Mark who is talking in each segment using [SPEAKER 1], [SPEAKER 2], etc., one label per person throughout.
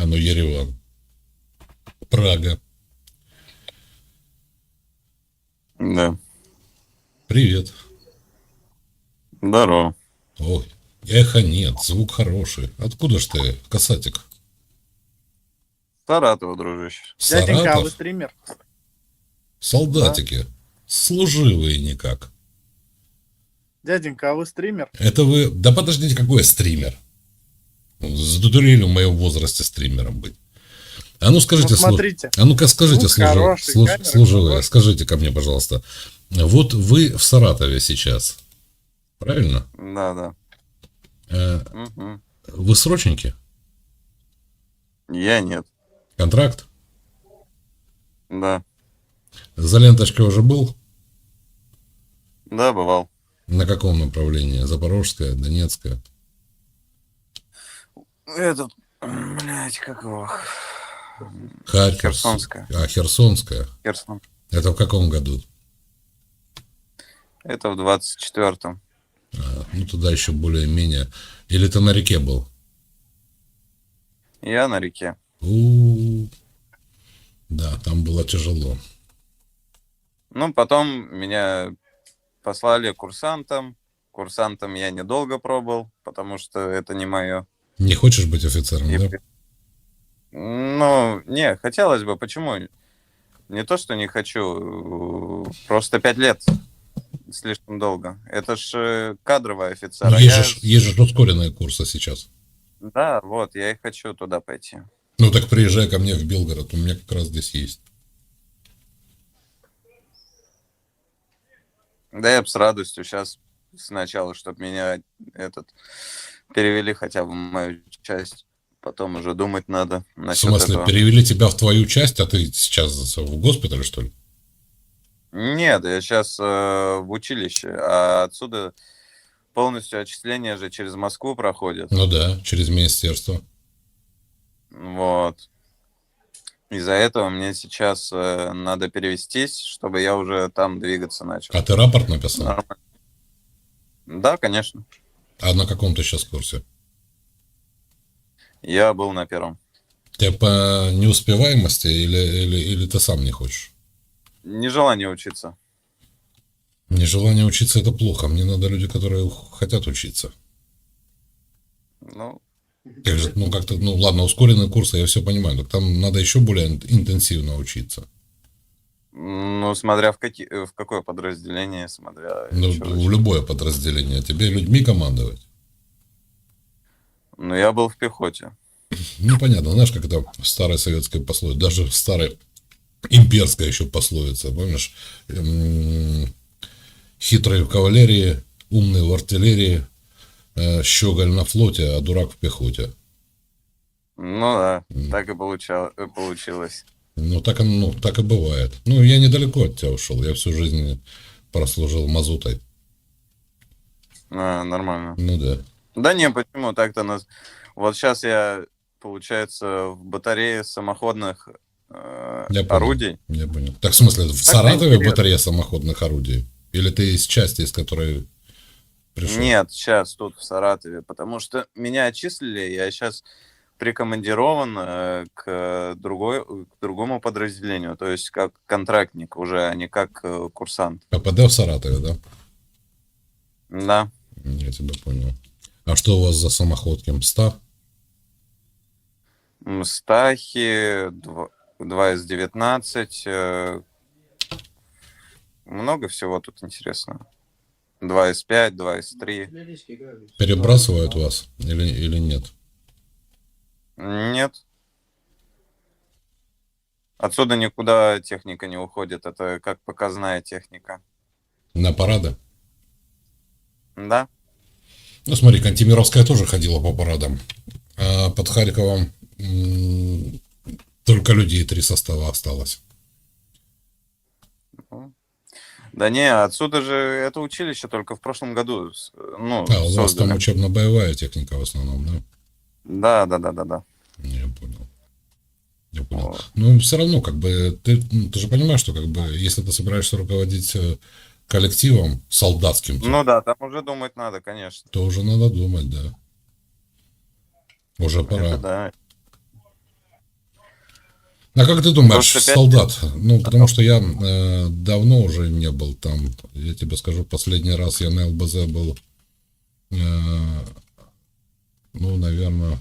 [SPEAKER 1] ну, Ереван. Прага.
[SPEAKER 2] Да.
[SPEAKER 1] Привет.
[SPEAKER 2] Здорово.
[SPEAKER 1] Ой, эхо нет, звук хороший. Откуда ж ты, касатик?
[SPEAKER 2] Саратова, дружище.
[SPEAKER 3] Дяденька, а вы
[SPEAKER 1] Саратов?
[SPEAKER 3] стример?
[SPEAKER 2] Да.
[SPEAKER 1] Солдатики. Служивые никак.
[SPEAKER 3] Дяденька, а вы стример?
[SPEAKER 1] Это вы... Да подождите, какой я стример? Задурели в моем возрасте стримером быть. А ну скажите,
[SPEAKER 3] Ну, смотрите.
[SPEAKER 1] а ну-ка скажите,
[SPEAKER 3] Звук хороший, камера
[SPEAKER 1] служивые,
[SPEAKER 3] хорошая.
[SPEAKER 1] скажите ко мне, пожалуйста. Вот вы в Саратове сейчас, правильно?
[SPEAKER 2] Да, да.
[SPEAKER 1] Э,
[SPEAKER 2] Мгм.
[SPEAKER 1] Вы срочники?
[SPEAKER 2] Я нет.
[SPEAKER 1] Контракт?
[SPEAKER 2] Да.
[SPEAKER 1] За ленточкой уже был?
[SPEAKER 2] Да, бывал.
[SPEAKER 1] На каком направлении? Запорожская, Донецкая?
[SPEAKER 2] Этот, блядь, как его?
[SPEAKER 1] Харьковская.
[SPEAKER 2] Херсонская.
[SPEAKER 1] А, Херсонская.
[SPEAKER 2] Херсон.
[SPEAKER 1] Это в каком году?
[SPEAKER 2] Это в 24-м.
[SPEAKER 1] Ну, туда еще более-менее. Или ты на реке был?
[SPEAKER 2] Я на реке.
[SPEAKER 1] Да, там было тяжело.
[SPEAKER 2] Ну, потом меня послали курсантом. Курсантом я недолго пробыл, потому что это не мое.
[SPEAKER 1] Не хочешь быть офицером,
[SPEAKER 2] И
[SPEAKER 1] да?
[SPEAKER 2] Ну, не, хотелось бы. Почему? Не то, что не хочу. Просто 5 лет. Слишком долго. Это ж кадровый офицер.
[SPEAKER 1] Ну,
[SPEAKER 2] А
[SPEAKER 1] есть же ускоренные курсы сейчас.
[SPEAKER 2] Да, вот, я и хочу туда пойти.
[SPEAKER 1] Ну, так приезжай ко мне в Белгород, у меня как раз здесь есть.
[SPEAKER 2] Да я бы с радостью сейчас сначала, чтобы меня перевели хотя бы в мою часть. Потом уже думать надо
[SPEAKER 1] В
[SPEAKER 2] насчет
[SPEAKER 1] смысле,
[SPEAKER 2] этого.
[SPEAKER 1] перевели тебя в твою часть, а ты сейчас в госпитале, что ли?
[SPEAKER 2] Нет, я сейчас в училище, а отсюда полностью отчисления же через Москву проходят.
[SPEAKER 1] Ну да, через министерство.
[SPEAKER 2] Вот. Из-за этого мне сейчас надо перевестись, чтобы я уже там двигаться начал.
[SPEAKER 1] А ты рапорт написал?
[SPEAKER 2] Нормально. Да, конечно.
[SPEAKER 1] А на каком ты сейчас курсе?
[SPEAKER 2] Я был на первом.
[SPEAKER 1] Ты по неуспеваемости или ты сам не хочешь?
[SPEAKER 2] Нежелание учиться.
[SPEAKER 1] Нежелание учиться – это плохо. Мне надо люди, которые хотят учиться.
[SPEAKER 2] Ну,
[SPEAKER 1] Как же, ну, как-то, ну, ладно, ускоренные курсы, я все понимаю, так там надо еще более интенсивно учиться.
[SPEAKER 2] смотря в какое подразделение, смотря
[SPEAKER 1] Ну,
[SPEAKER 2] чё
[SPEAKER 1] в
[SPEAKER 2] зачем.
[SPEAKER 1] любое подразделение. Тебе людьми командовать.
[SPEAKER 2] Ну, я был в пехоте.
[SPEAKER 1] Ну, понятно, знаешь, как это в старой советской пословице, даже в старой имперской еще пословица, помнишь? Хитрый в кавалерии, умный в артиллерии, щеголь на флоте, а дурак в пехоте.
[SPEAKER 2] Ну да, так и получилось.
[SPEAKER 1] Ну, так и бывает. Ну, я недалеко от тебя ушел. Я всю жизнь прослужил мазутой.
[SPEAKER 2] Нормально.
[SPEAKER 1] Ну да.
[SPEAKER 2] Да не, почему так-то нас... Вот сейчас я, получается, в батарее самоходных
[SPEAKER 1] Я понял.
[SPEAKER 2] орудий.
[SPEAKER 1] Я понял. Так в смысле, в
[SPEAKER 2] Так-то
[SPEAKER 1] Саратове
[SPEAKER 2] интересно.
[SPEAKER 1] батарея самоходных орудий? Или ты из части, из которой пришел?
[SPEAKER 2] Нет, сейчас тут в Саратове, потому что меня отчислили, я сейчас прикомандирован к другому подразделению, то есть как контрактник уже, а не как курсант.
[SPEAKER 1] ППД в Саратове, да?
[SPEAKER 2] Да.
[SPEAKER 1] Я тебя понял. А что у вас за самоходки? МСТА?
[SPEAKER 2] Стахи, 2С19, много всего тут интересного. 2С5, 2С3.
[SPEAKER 1] Перебрасывают вас или нет?
[SPEAKER 2] Нет. Отсюда никуда техника не уходит, это как показная техника.
[SPEAKER 1] На парады?
[SPEAKER 2] Да?
[SPEAKER 1] Ну, смотри, Кантемировская тоже ходила по парадам. А под Харьковом только людей 3 состава осталось.
[SPEAKER 2] Да не, отсюда же это училище только в прошлом году
[SPEAKER 1] У вас там
[SPEAKER 2] создали.
[SPEAKER 1] учебно-боевая техника в основном, да?
[SPEAKER 2] Да.
[SPEAKER 1] Я понял.
[SPEAKER 2] Вот.
[SPEAKER 1] Ну, все равно, как бы, ты же понимаешь, что, как бы, если ты собираешься руководить коллективом солдатским,
[SPEAKER 2] Ну да, там уже думать надо, конечно.
[SPEAKER 1] то уже надо думать, да. Уже пора.
[SPEAKER 2] Это да.
[SPEAKER 1] А как ты думаешь,
[SPEAKER 2] Просто пять
[SPEAKER 1] солдат? Ну, потому что я давно уже не был там. Я тебе скажу, последний раз я на ЛБЗ был, ну, наверное,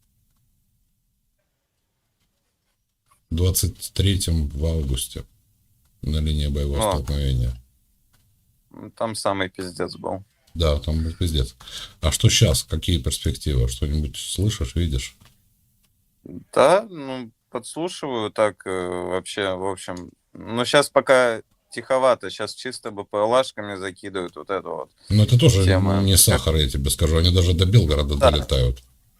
[SPEAKER 1] в 23-м в августе на линии боевого
[SPEAKER 2] О.
[SPEAKER 1] столкновения.
[SPEAKER 2] Там самый пиздец был.
[SPEAKER 1] Да, там был пиздец. А что сейчас? Какие перспективы? Что-нибудь слышишь, видишь?
[SPEAKER 2] Да, ну, подслушиваю так вообще, в общем. Ну, сейчас пока тиховато, сейчас чисто БПЛАшками закидывают вот это вот.
[SPEAKER 1] Но это тоже
[SPEAKER 2] Тема.
[SPEAKER 1] не сахар, я тебе скажу. Они даже до Белгорода
[SPEAKER 2] Да.
[SPEAKER 1] долетают.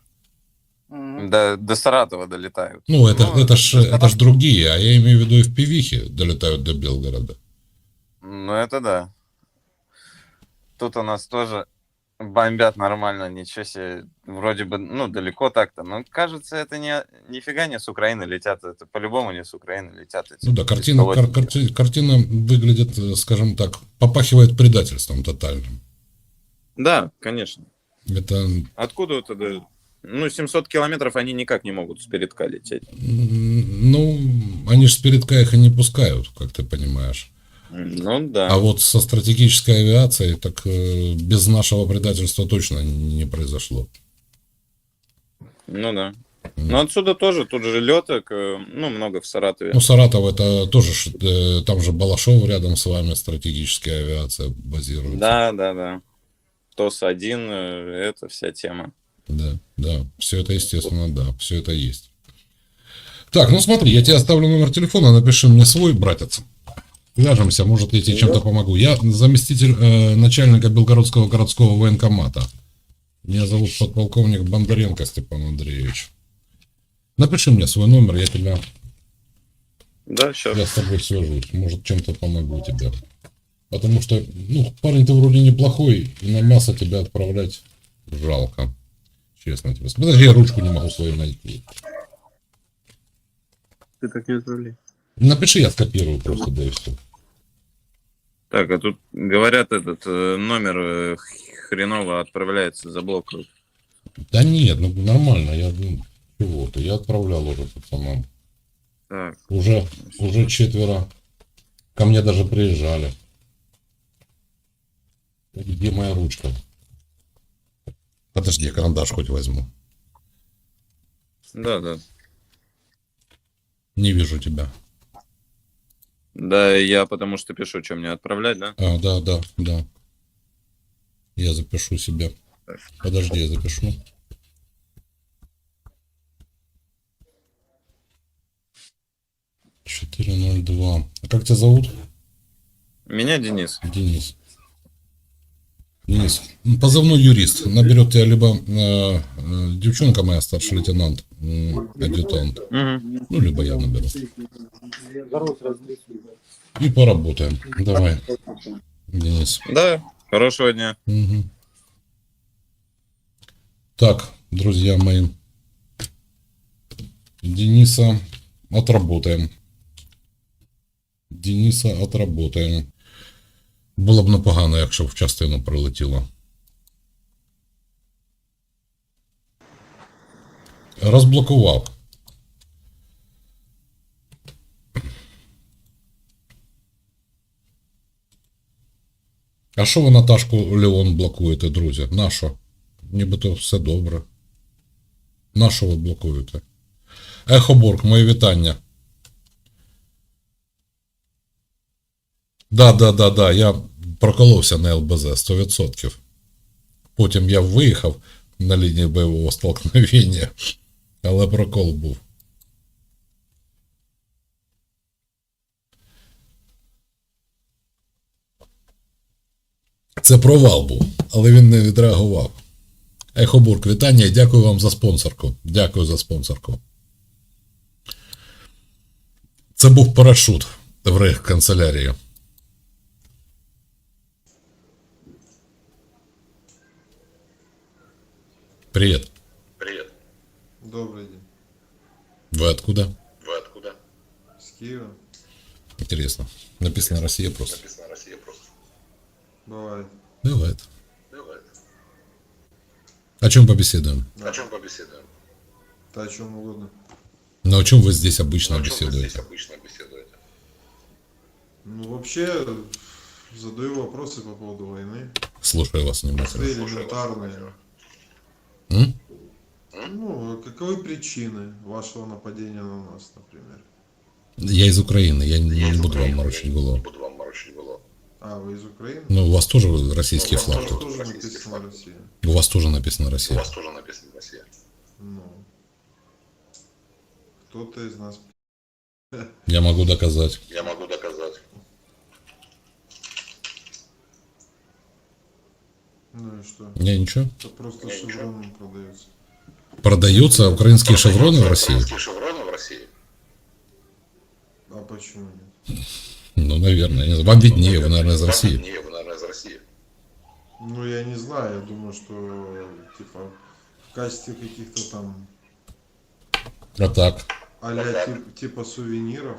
[SPEAKER 2] До Саратова долетают.
[SPEAKER 1] Ну, это ж
[SPEAKER 2] Саратова-
[SPEAKER 1] другие, а я имею в виду и в пивихе долетают до Белгорода.
[SPEAKER 2] Ну, это да. Тут у нас тоже бомбят нормально, ничего себе. Вроде бы, ну, далеко так-то. Но кажется, это нифига не с Украины летят. Это по-любому не с Украины летят. Эти
[SPEAKER 1] Ну да, картина
[SPEAKER 2] беспилотники.
[SPEAKER 1] выглядит, скажем так, попахивает предательством тотальным.
[SPEAKER 4] Да, конечно.
[SPEAKER 1] Это,
[SPEAKER 4] Откуда это? Ну, 700 километров они никак не могут с передка лететь.
[SPEAKER 1] ну, они же с передка их и не пускают, как ты понимаешь.
[SPEAKER 4] Ну, да.
[SPEAKER 1] А вот со стратегической авиацией, так без нашего предательства точно не произошло.
[SPEAKER 4] Ну, да. Но отсюда тоже, тут же леток, ну, много в Саратове.
[SPEAKER 1] Ну, Саратов это тоже, там же Балашов рядом с вами, стратегическая авиация базируется.
[SPEAKER 4] Да. ТОС-1, это вся тема.
[SPEAKER 1] Да, все это, естественно, да, все это есть. Так, ну смотри, я тебе оставлю номер телефона, напиши мне свой, братец. Свяжемся, может, я тебе чем-то помогу. Я заместитель начальника Белгородского городского военкомата. Меня зовут подполковник Бондаренко Степан Андреевич. Напиши мне свой номер,
[SPEAKER 4] Да, сейчас.
[SPEAKER 1] я с тобой свяжусь. Может, чем-то помогу тебе. Потому что, ну, парень ты вроде неплохой, и на мясо тебя отправлять жалко. Честно тебе. Подожди, я ручку не могу свою найти.
[SPEAKER 3] Ты так не отправляй.
[SPEAKER 1] Напиши, я скопирую просто, да и все.
[SPEAKER 4] Так, а тут говорят, этот номер хреново отправляется, заблокируют.
[SPEAKER 1] Да нет, ну нормально, чего-то, я отправлял уже пацанам.
[SPEAKER 4] Так,
[SPEAKER 1] Уже 4 ко мне даже приезжали. Где моя ручка? Подожди, я карандаш хоть возьму.
[SPEAKER 4] да.
[SPEAKER 1] Не вижу тебя.
[SPEAKER 4] Да, я потому что пишу, что мне отправлять, да?
[SPEAKER 1] А, да. Я запишу себе. Подожди, я запишу. $402. А как тебя зовут?
[SPEAKER 4] Меня Денис.
[SPEAKER 1] Денис. Денис. Позывной юрист. Наберет тебя либо девчонка моя, старший лейтенант, адъютант.
[SPEAKER 4] Мгм.
[SPEAKER 1] Ну, либо я наберу. И поработаем. Давай, Денис.
[SPEAKER 4] Да, хорошего дня.
[SPEAKER 1] Мгм. Так, друзья мои. Дениса отработаем. Було б непогано, якщо б в частину прилетіло. Розблокував. А що ви Наташку Леон блокуєте, друзі? Нащо? Нібито все добре. Нащо ви блокуєте? Ехоборг, мої вітання. Да, я проколовся на ЛБЗ 100%. Потім я виїхав на лінії бойового столкновення, але прокол був. Це провал був, але він не відреагував. Ехобург, вітання і дякую вам за спонсорку. Дякую за спонсорку. Це був парашут в рейхканцелярії. Привет.
[SPEAKER 5] Привет.
[SPEAKER 6] Добрый день.
[SPEAKER 1] Вы откуда?
[SPEAKER 5] Вы откуда?
[SPEAKER 6] С Киева.
[SPEAKER 1] Интересно. Написано Россия просто.
[SPEAKER 5] Написано Россия просто.
[SPEAKER 6] Бывает.
[SPEAKER 1] Бывает.
[SPEAKER 5] Бывает.
[SPEAKER 1] О чем побеседуем?
[SPEAKER 6] Да.
[SPEAKER 5] О чем побеседуем?
[SPEAKER 6] Да о чем угодно.
[SPEAKER 1] Но о чем вы здесь обычно беседуете?
[SPEAKER 6] Ну, вообще, задаю вопросы по поводу войны.
[SPEAKER 1] Слушаю вас
[SPEAKER 6] Свои
[SPEAKER 1] внимательно.
[SPEAKER 6] элементарные.
[SPEAKER 1] М?
[SPEAKER 6] Ну, каковы причины вашего нападения на нас, например?
[SPEAKER 1] Я из Украины, я не буду вам морочить голову.
[SPEAKER 6] А, вы из Украины?
[SPEAKER 1] Ну, у вас тоже российский флаг тут.
[SPEAKER 6] Тоже написано Россия.
[SPEAKER 1] У вас тоже написано Россия.
[SPEAKER 6] Ну, кто-то из нас...
[SPEAKER 1] Я могу доказать.
[SPEAKER 6] Ну и что?
[SPEAKER 1] Не, ничего.
[SPEAKER 6] Это просто шевроном продается.
[SPEAKER 1] Продаются украинские шевроны в России?
[SPEAKER 6] А почему нет?
[SPEAKER 1] Ну, наверное. Я не знаю. Вам виднее, вы, наверное, из России.
[SPEAKER 6] Ну, я не знаю, я думаю, что, типа, в качестве каких-то там
[SPEAKER 1] А так.
[SPEAKER 6] а-ля типа сувениров.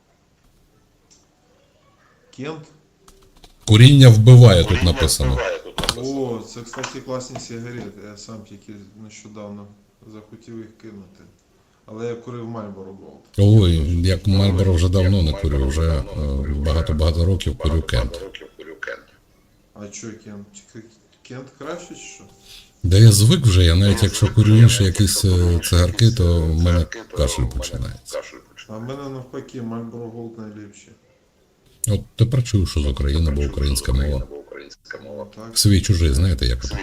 [SPEAKER 6] Кент.
[SPEAKER 1] Куріння вбиває, тут написано.
[SPEAKER 6] О, це, кстати, класні сигарети. Я сам тільки нещодавно захотів їх кинути. Але я курив Marlboro Gold.
[SPEAKER 1] Ой, як Мальборо вже давно не курю, вже багато-багато років курю Кент.
[SPEAKER 6] А чо Кент? Кент краще чи що?
[SPEAKER 1] Да я звик вже, я навіть якщо курю інші якісь цигарки, то в мене кашель починається.
[SPEAKER 6] А в мене навпаки Marlboro Gold найліпші.
[SPEAKER 1] От тепер чую, що з України, бо українська мова.
[SPEAKER 6] Так.
[SPEAKER 1] Свій чужий, знаєте, як ото.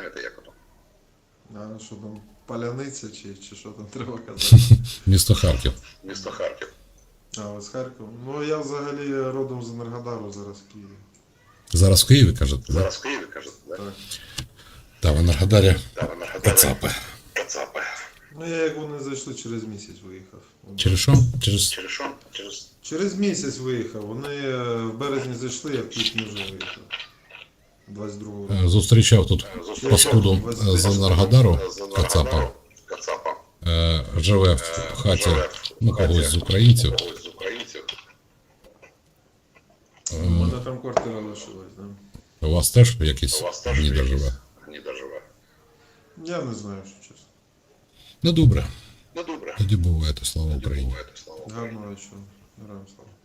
[SPEAKER 6] А що там, паляниця чи що там треба казати?
[SPEAKER 1] Місто Харків.
[SPEAKER 6] А, ви з Харкова? Ну, я взагалі родом з Енергодару, зараз в Києві.
[SPEAKER 1] Зараз в Києві, кажете, да?
[SPEAKER 6] Так.
[SPEAKER 1] Та в Енергодарі кацапи.
[SPEAKER 6] Ну, я як вони зайшли, через місяць виїхав.
[SPEAKER 1] Через що? Через...
[SPEAKER 6] Через місяць виїхав. Вони в березні зайшли, я в квітні вже виїхав. 22-го року.
[SPEAKER 1] Зустрічав тут паскуду з Енергодару, кацапа. Живе в хаті, ну, когось з українців.
[SPEAKER 6] У мене там квартира лишилась, да?
[SPEAKER 1] У вас теж якийсь гніда живе?
[SPEAKER 6] Я не знаю, що чесно.
[SPEAKER 1] Ну, добре. Тоді буває, то слава Україні.
[SPEAKER 6] Гарного вечора. Героям слава.